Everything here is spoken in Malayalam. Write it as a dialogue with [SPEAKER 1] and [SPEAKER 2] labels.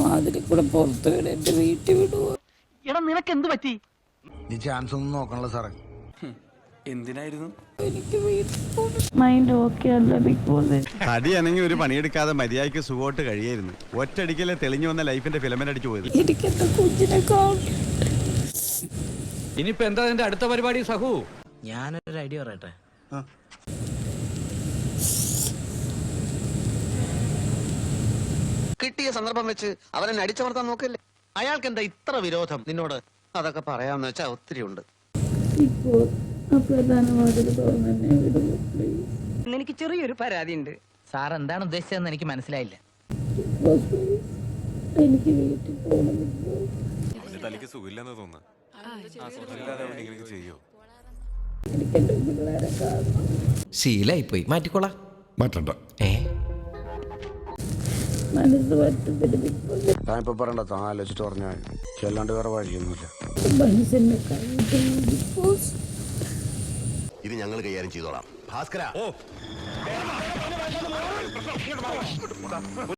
[SPEAKER 1] വാതിൽ കൂടെ പുറത്ത് വിടും, എന്റെ വീട്ടിൽ വിടുവോ?
[SPEAKER 2] എടാ നിനക്ക് എന്ത് പറ്റി?
[SPEAKER 3] നീ ചാൻസ് ഒന്നും നോക്കണല്ലോ സാറേ.
[SPEAKER 4] എന്തിനായിരുന്നു?
[SPEAKER 1] എനിക്ക് വീട്ടിൽ പോകണം.
[SPEAKER 5] മൈൻഡ് ഓക്കെ അല്ല ബിഗ് ബോസ്.
[SPEAKER 6] തടിയാണെങ്കിൽ ഒരു പണിയെടുക്കാതെ മര്യാദയ്ക്ക് സുഖമായിട്ട് കഴിയായിരുന്നു. ഒറ്റയടിക്കല്ലേ തെളിഞ്ഞു വന്ന ലൈഫിന്റെ ഫിലമെന്റ് അടിച്ചു പോയത്.
[SPEAKER 1] എനിക്ക് എന്റെ കുഞ്ഞിനെ കാണും.
[SPEAKER 4] ഇനിയിപ്പോ എന്താ നിന്റെ അടുത്ത പരിപാടി സഹു?
[SPEAKER 2] ഞാനൊരു ഐഡിയ പറയട്ടെ.
[SPEAKER 7] കിട്ടിയ സന്ദർഭം വെച്ച് അവനെ അടിച്ചമർത്താൻ നോക്കല്ലേ. അയാൾക്ക് എന്താ ഇത്ര വിരോധം നിന്നോട്? അതൊക്കെ പറയാന്ന് വെച്ചാ ഒത്തിരി ഉണ്ട്.
[SPEAKER 5] ഇപ്പോൾ ആ പ്രധാന വാതിൽ തുറന്നെ വിടുവോ പ്ലീസ്?
[SPEAKER 2] എനിക്ക് ചെറിയൊരു പരാതി ഉണ്ട്. സാർ എന്താണ് ഉദ്ദേശിച്ചതെന്ന് എനിക്ക് മനസ്സിലായില്ല.
[SPEAKER 5] ബിഗ് ബോസ് പ്ലീസ്, എനിക്ക് വീട്ടിൽ പോകണം ബിഗ് ബോസ്.
[SPEAKER 6] അവന്റെ തലയ്ക്ക് സുഖമില്ലെന്ന് തോന്നുന്നു. ചെയ്യോ?
[SPEAKER 5] എനിക്ക് എന്റെ പിള്ളേരെ കാണണം.
[SPEAKER 8] ശീലായിപ്പോയി, മാറ്റിക്കോളാം.
[SPEAKER 3] മാറ്റണ്ട.
[SPEAKER 5] മനസ്സ് പറ്റത്തില്ല ബിഗ് ബോസ്.
[SPEAKER 3] താൻ ഇപ്പൊ പറയണ്ട, താൻ ആലോചിച്ചിട്ട് പറഞ്ഞാൽ ചെല്ലാണ്ട് വേറെ വഴിയൊന്നുമില്ല.
[SPEAKER 5] മനുഷ്യനെ കഴിഞ്ഞിട്ടില്ല ബിഗ് ബോസ്.
[SPEAKER 7] ഇത് ഞങ്ങൾ കൈകാര്യം ചെയ്തോളാം ഭാസ്കര.